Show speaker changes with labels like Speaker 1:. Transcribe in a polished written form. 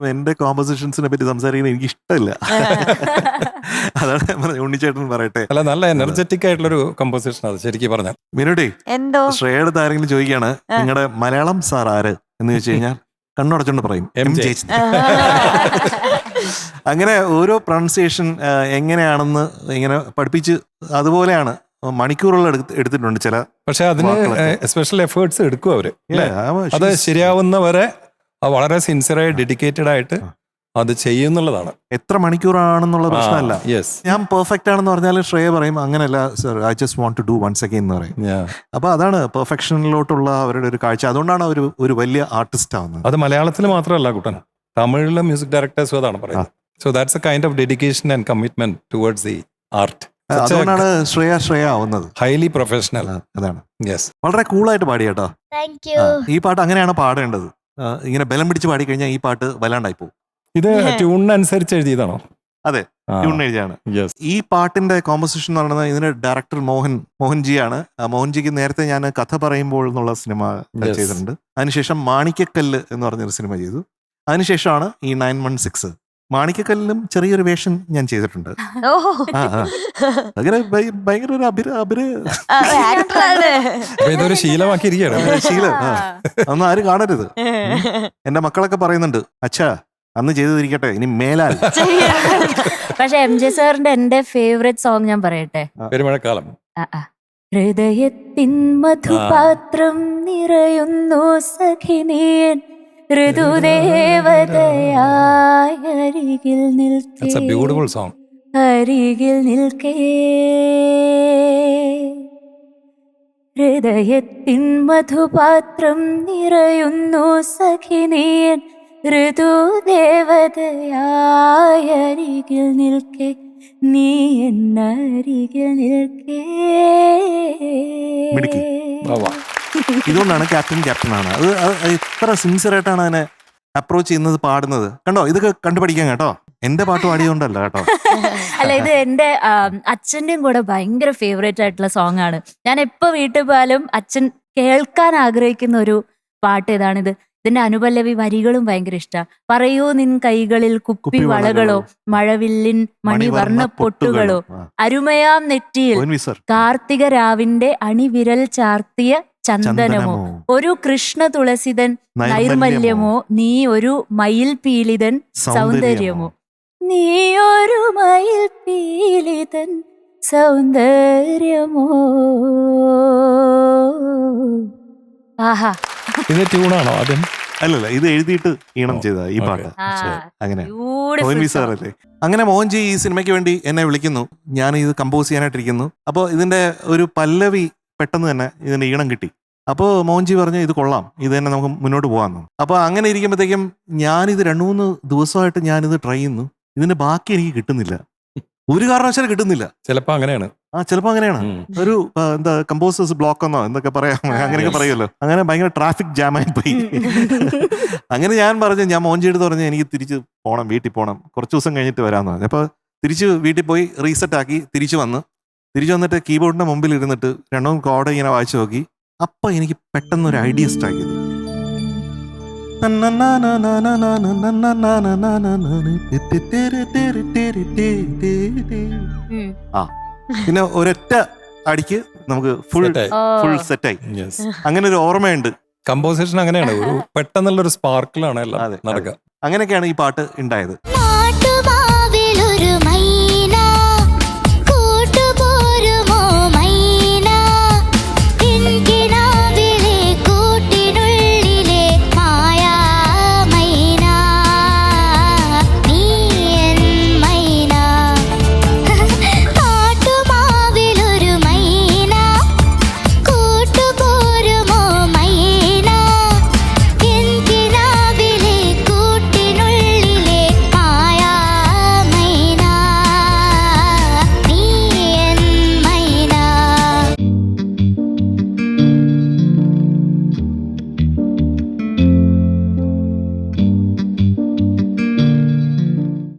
Speaker 1: എന്റെ കോമ്പോസിഷൻസിനെ പറ്റി സംസാരിക്കുന്നത് എനിക്ക് ഇഷ്ടമില്ല. അതാണ് ഞാൻ പറഞ്ഞത്. ഉണ്ണിച്ചേട്ടൻ പറയട്ടെ.
Speaker 2: അല്ല, നല്ല എനർജറ്റിക് ആയിട്ടുള്ളൊരു കമ്പോസിഷൻ അത് ശരിക്കും പറഞ്ഞാൽ.
Speaker 1: മീനുട്ടി,
Speaker 3: എന്തോ
Speaker 1: ശ്രേയയുടെ ആരെങ്കിലും ചോദിക്കുകയാണ് നിങ്ങളുടെ മലയാളം സാർ ആര് എന്ന് ചോദിച്ചു കഴിഞ്ഞാൽ കണ്ണുടച്ചോണ്ട് പറയും എം ജയചന്ദ്രൻ. അങ്ങനെ ഓരോ പ്രൊണൗൺസിയേഷൻ എങ്ങനെയാണെന്ന് ഇങ്ങനെ പഠിപ്പിച്ച് അതുപോലെയാണ് മണിക്കൂറുകൾ എടുത്തിട്ടുണ്ട് ചില.
Speaker 2: പക്ഷെ അതിന് സ്പെഷ്യൽ എഫേർട്സ് എടുക്കും അവര്. അത് ശരിയാവുന്നവരെ വളരെ സിൻസിയറായി ഡെഡിക്കേറ്റഡ് ആയിട്ട് അത് ചെയ്യുന്നുള്ളതാണ്.
Speaker 1: എത്ര മണിക്കൂറാണെന്നുള്ള പ്രശ്നമല്ല.
Speaker 2: യെസ്,
Speaker 1: ഞാൻ പെർഫെക്റ്റ് ആണെന്ന് പറഞ്ഞാൽ ശ്രേയ പറയും അങ്ങനെയല്ല sir, I just want to do once again എന്ന് പറയും. അപ്പൊ അതാണ് പെർഫെക്ഷനിലോട്ടുള്ള അവരുടെ ഒരു കാഴ്ച. അതുകൊണ്ടാണ് അവർ ഒരു വലിയ ആർട്ടിസ്റ്റ് ആവുന്നത്.
Speaker 2: അത് മലയാളത്തിൽ മാത്രമല്ല കുട്ടൻ, തമിഴിലെ മ്യൂസിക് ഡയറക്ടേഴ്സും അതാണ് പറയുന്നത്. So that's a kind of dedication and commitment towards the art.
Speaker 1: അതുകൊണ്ടാണ് ശ്രേയ ആവുന്നത്.
Speaker 2: Highly professional.
Speaker 1: അതാണ്.
Speaker 2: യെസ്,
Speaker 1: വളരെ കൂളായിട്ട് പാടി കേട്ടോ.
Speaker 3: Thank you.
Speaker 1: ഈ പാട്ട് അങ്ങനെയാണ് പാടേണ്ടത്. ഇങ്ങനെ ബലം പിടിച്ച് പാടി കഴിഞ്ഞാൽ ഈ പാട്ട് വല്ലാണ്ടായി പോകും.
Speaker 2: ഇത് ട്യൂണിനനുസരിച്ച് എഴുതിയതാണോ?
Speaker 1: അതെ, ട്യൂൺ എഴുതിയാണ്.
Speaker 2: യെസ്.
Speaker 1: ഈ പാട്ടിന്റെ കോമ്പോസിഷൻ എന്ന് പറയുന്നത് ഇതിന്റെ ഡയറക്ടർ മോഹൻജിയാണ്. മോഹൻജിക്ക് നേരത്തെ ഞാൻ കഥ പറയുമ്പോൾ എന്നുള്ള സിനിമ ചെയ്തിട്ടുണ്ട്. അതിനുശേഷം മാണിക്കക്കല്ല് എന്ന് പറഞ്ഞൊരു സിനിമ ചെയ്തു. അതിനുശേഷമാണ് ഈ 916. മാണിക്കക്കല്ലിലും ചെറിയൊരു വേഷം ഞാൻ ചെയ്തിട്ടുണ്ട്. അങ്ങനെ ഭയങ്കര ഒരു
Speaker 2: ഇതൊരു ശീലമാക്കിയിരിക്കുകയാണ്.
Speaker 1: ശീലം. അതൊന്നും ആരും കാണരുത്. എന്റെ മക്കളൊക്കെ പറയുന്നുണ്ട്, അച്ഛാ അന്ന് ചെയ്തിരിക്കട്ടെ ഇനി മേലാൽ.
Speaker 4: പക്ഷെ എം ജെ സാറിന്റെ എന്റെ ഫേവറേറ്റ് സോങ് ഞാൻ പറയട്ടെ.
Speaker 2: പെരുമഴക്കാലം.
Speaker 4: ഹൃദയത്തിൻ മധുപാത്രം നിറയുന്നു സഖിനിയൻ ഋതുദേവതയായി അരികിൽ
Speaker 2: That's a beautiful song.
Speaker 4: അരികിൽ നിൽക്കേ. ഹൃദയത്തിൻ മധുപാത്രം നിറയുന്നു സഖിനിയൻ ഋതുദേവതയായി അരികിൽ നിൽക്കേ. നീ എന്നരികിൽ നിൽക്കേ.
Speaker 1: ഇതുകൊണ്ടാണ് ക്യാപ്റ്റനാണ്. അത് എത്ര സിൻസിയർ ആയിട്ടാണ് അതിനെ അപ്രോച്ച് ചെയ്യുന്നത്, പാടുന്നത്. കണ്ടോ, ഇതൊക്കെ കണ്ടുപഠിക്കാം കേട്ടോ. എന്റെ പാട്ട് പാടിയതുകൊണ്ടല്ല കേട്ടോ.
Speaker 4: അല്ല, ഇത് എന്റെ അച്ഛന്റെയും കൂടെ ഭയങ്കര ഫേവറേറ്റ് ആയിട്ടുള്ള സോങ് ആണ്. ഞാൻ എപ്പോ വീട്ടിൽ പോയാലും അച്ഛൻ കേൾക്കാൻ ആഗ്രഹിക്കുന്ന ഒരു പാട്ട് ഇതാണിത്. ഇതിന്റെ അനുപല്ലവി വരികളും ഭയങ്കര ഇഷ്ടാ. പറയൂ നിൻ കൈകളിൽ കുപ്പി വളകളോ മഴവില്ലിൻ മണിവർണ്ണ പൊട്ടുകളോ അരുമയാം നെറ്റിയിൽ കാർത്തിക രാവിന്റെ അണിവിരൽ ചാർത്തിയ ചന്ദനമോ ഒരു കൃഷ്ണ തുളസിതൻ നൈർമല്യമോ നീ ഒരു മയിൽ പീലിതൻ സൗന്ദര്യമോ. നീ ഒരു മയിൽ പീലിതൻ സൗന്ദര്യമോ. ആഹാ,
Speaker 2: ഇത് ട്യൂണാണോ ആദ്യം?
Speaker 1: അല്ലല്ല, ഇത് എഴുതിയിട്ട് ഈണം ചെയ്ത ഈ പാട്ട്. അങ്ങനെ സാറല്ലേ. അങ്ങനെ മോഹൻജി ഈ സിനിമയ്ക്ക് വേണ്ടി എന്നെ വിളിക്കുന്നു. ഞാൻ ഇത് കമ്പോസ് ചെയ്യാനായിട്ടിരിക്കുന്നു. അപ്പോൾ ഇതിന്റെ ഒരു പല്ലവി പെട്ടെന്ന് തന്നെ ഇതിന്റെ ഈണം കിട്ടി. അപ്പോൾ മോഹൻജി പറഞ്ഞു ഇത് കൊള്ളാം, ഇത് തന്നെ നമുക്ക് മുന്നോട്ട് പോകാമെന്നു. അപ്പോൾ അങ്ങനെ ഇരിക്കുമ്പോഴത്തേക്കും ഞാനിത് 2-3 ദിവസമായിട്ട് ഞാനിത് ട്രൈ ചെയ്യുന്നു. ഇതിന്റെ ബാക്കി എനിക്ക് കിട്ടുന്നില്ല, ഒരു കാരണവശാലും കിട്ടുന്നില്ല.
Speaker 2: ചിലപ്പോ അങ്ങനെയാണ്.
Speaker 1: ചിലപ്പോ അങ്ങനെയാണ്. ഒരു എന്താ കമ്പോസേഴ്സ് ബ്ലോക്ക് എന്നോ എന്തൊക്കെ പറയാം, അങ്ങനെയൊക്കെ പറയുമല്ലോ. അങ്ങനെ ഭയങ്കര ട്രാഫിക് ജാമായി പോയി. അങ്ങനെ ഞാൻ മോഹൻജിയുടെ പറഞ്ഞു എനിക്ക് തിരിച്ച് പോകണം, വീട്ടിൽ പോകണം, കുറച്ച് ദിവസം കഴിഞ്ഞിട്ട് വരാമെന്ന് പറഞ്ഞു. അപ്പോൾ തിരിച്ച് വീട്ടിൽ പോയി റീസെറ്റ് ആക്കി തിരിച്ചു വന്നിട്ട് കീബോർഡിന്റെ മുമ്പിൽ ഇരുന്നിട്ട് 2 കോഡ് ഇങ്ങനെ വായിച്ചു നോക്കി. അപ്പൊ എനിക്ക് പെട്ടെന്നൊരു ഐഡിയ സ്ട്രൈക്ക് ചെയ്തു. പിന്നെ ഒരൊറ്റ അടിക്ക് നമുക്ക് ഫുൾ സെറ്റായി. അങ്ങനെ ഒരു ഓർമ്മയുണ്ട്.
Speaker 2: കമ്പോസിഷൻ അങ്ങനെയാണ്, ഒരു പെട്ടെന്നുള്ള ഒരു സ്പാർക്കിലാണ് എല്ലാം നടക്കുക.
Speaker 1: അങ്ങനെയൊക്കെയാണ് ഈ പാട്ട് ഉണ്ടായത്.